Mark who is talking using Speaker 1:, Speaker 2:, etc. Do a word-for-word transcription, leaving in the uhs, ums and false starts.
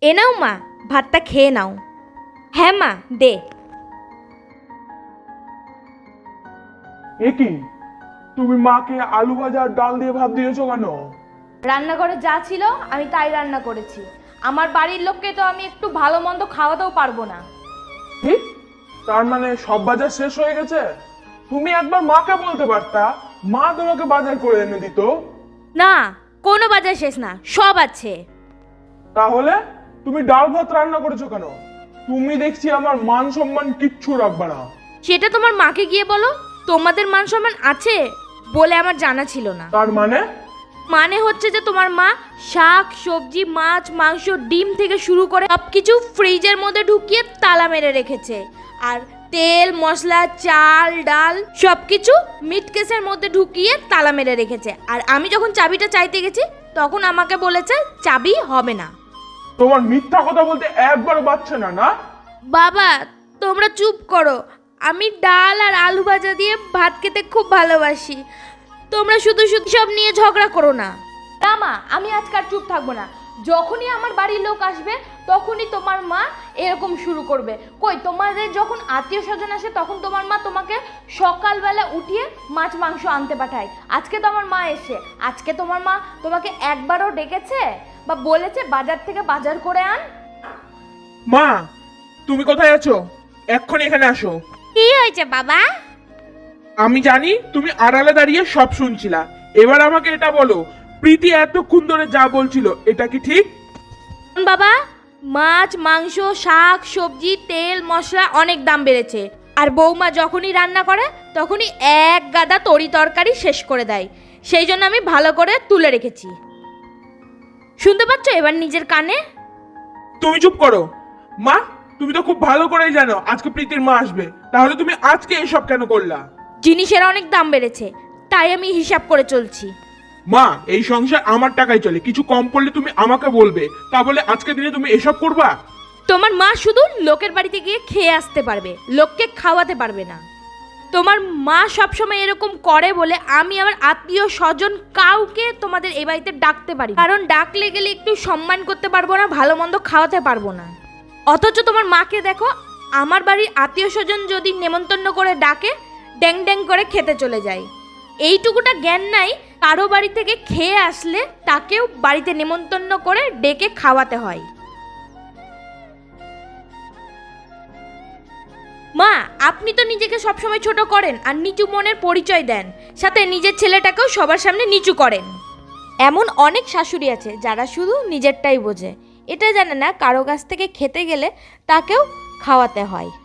Speaker 1: এ নাও মা, ভাতটা খেয়ে নাও। হ্যাঁ মা, দে।
Speaker 2: এ কি, তুমি মাকে আলু ভাজা আর ডাল দিয়ে ভাত দিয়েছো কেন?
Speaker 1: রান্নাঘরে যা ছিল আমি তাই রান্না করেছি। আমার বাড়ির লোককে তো আমি একটু ভালো মন্দ খাওয়াতেও পারবো না।
Speaker 2: কি, তার মানে সব বাজার শেষ হয়ে গেছে? তুমি একবার মাকে বলতে পারতা, মা তোমাকে বাজার করে এনে দিত।
Speaker 1: না, কোনো বাজার শেষ না, সব আছে।
Speaker 2: তাহলে তুমি ডাল ভাত রান্না করেছো কেন? তুমি দেখছি আমার মান সম্মান কিচ্ছু রাখবে না।
Speaker 1: সেটা তোমার মাকে গিয়ে বলো। তোমাদের মান সম্মান আছে বলে আমার জানা ছিল না।
Speaker 2: তার মানে?
Speaker 1: মানে হচ্ছে যে তোমার মা শাক সবজি মাছ মাংস ডিম থেকে শুরু করে সব কিছু ফ্রিজের মধ্যে ঢুকিয়ে তালা মেরে রেখেছে। আর তেল মশলা চাল ডাল সব কিছু মিট কেসের মধ্যে ঢুকিয়ে তালা মেরে রেখেছে। আর আমি যখন চাবিটা চাইতে গেছি তখন আমাকে বলেছে চাবি হবে না।
Speaker 2: তোমার মিথ্যা কথা বলতে একবারও বাচ্চা না না?
Speaker 1: বাবা তোমরা চুপ করো। আমি ডাল আর আলু ভাজা দিয়ে ভাত খেতে খুব ভালোবাসি। তোমরা শুধু শুধু সব নিয়ে ঝগড়া করো না। না মা, আমি আজকাল চুপ থাকবো না। যখনই আমার বাড়ির লোক আসবে তখনই তোমার মা এরকম শুরু করবে। কই, তোমাদের যখন আত্মীয় স্বজন আসে তখন তোমার মা তোমাকে সকালবেলা উঠিয়ে মাছ মাংস আনতে পাঠায়। আজকে তো আমার মা এসে, আজকে তোমার মা তোমাকে একবারও ডেকেছে বা বলেছে বাজার থেকে বাজার করে আন?
Speaker 2: মা, তুমি কোথায় আছো? এক্ষুনি এখানে আসো।
Speaker 1: কি হয়েছে বাবা?
Speaker 2: আমি জানি তুমি আড়ালে দাঁড়িয়ে সব শুনছিলা। এবার আমাকে এটা বলো, প্রীতি এতক্ষণ ধরে যা বলছিল এটা কি ঠিক?
Speaker 1: বাবা, মাছ মাংস শাক সবজি তেল মশলা অনেক দাম বেড়েছে। আর বৌমা যখনই রান্না করে তখনই এক গাদা তরি তরকারি শেষ করে দেয়। সেই জন্য আমি ভালো করে তুলে রেখেছি। শুনতে পাচ্ছ এবার নিজের কানে?
Speaker 2: তুমি চুপ করো। মা, তুমি তো খুব ভালো করেই জানো আজকে প্রীতির মা আসবে, তাহলে তুমি আজকে এসব কেন করলা?
Speaker 1: জিনিসের অনেক দাম বেড়েছে, তাই আমি হিসাব করে চলছি।
Speaker 2: মা, এই সংসার আমার টাকায় চলে, কিছু কম পড়লে তুমি আমাকে বলবে, তা বলে আজকে দিনে তুমি এসব করবা?
Speaker 1: তোমার মা শুধু লোকের বাড়িতে গিয়ে খেয়ে আসতে পারবে, লোককে খাওয়াতে পারবে না। তোমার মা সবসময় এরকম করে বলে আমি আমার আত্মীয় স্বজন কাউকে তোমাদের এই বাড়িতে ডাকতে পারি, কারণ ডাকলে গেলে একটু সম্মান করতে পারবো না, ভালো মন্দ খাওয়াতে পারবো না। অথচ তোমার মাকে দেখো, আমার বাড়ির আত্মীয় স্বজন যদি নেমন্তন্ন করে ডাকে ড্যাং ড্যাং করে খেতে চলে যায়। এইটুকুটা জ্ঞান নাই কারো বাড়ি থেকে খেয়ে আসলে তাকেও বাড়িতে নেমন্তন্ন করে ডেকে খাওয়াতে হয়। মা, আপনি তো নিজেকে সবসময় ছোট করেন আর নিচু মনের পরিচয় দেন, সাথে নিজের ছেলেটাকেও সবার সামনে নিচু করেন। এমন অনেক শাশুড়ি আছে যারা শুধু নিজেরটাই বোঝে, এটা জানে না কারো কাছ থেকে খেতে গেলে তাকেও খাওয়াতে হয়।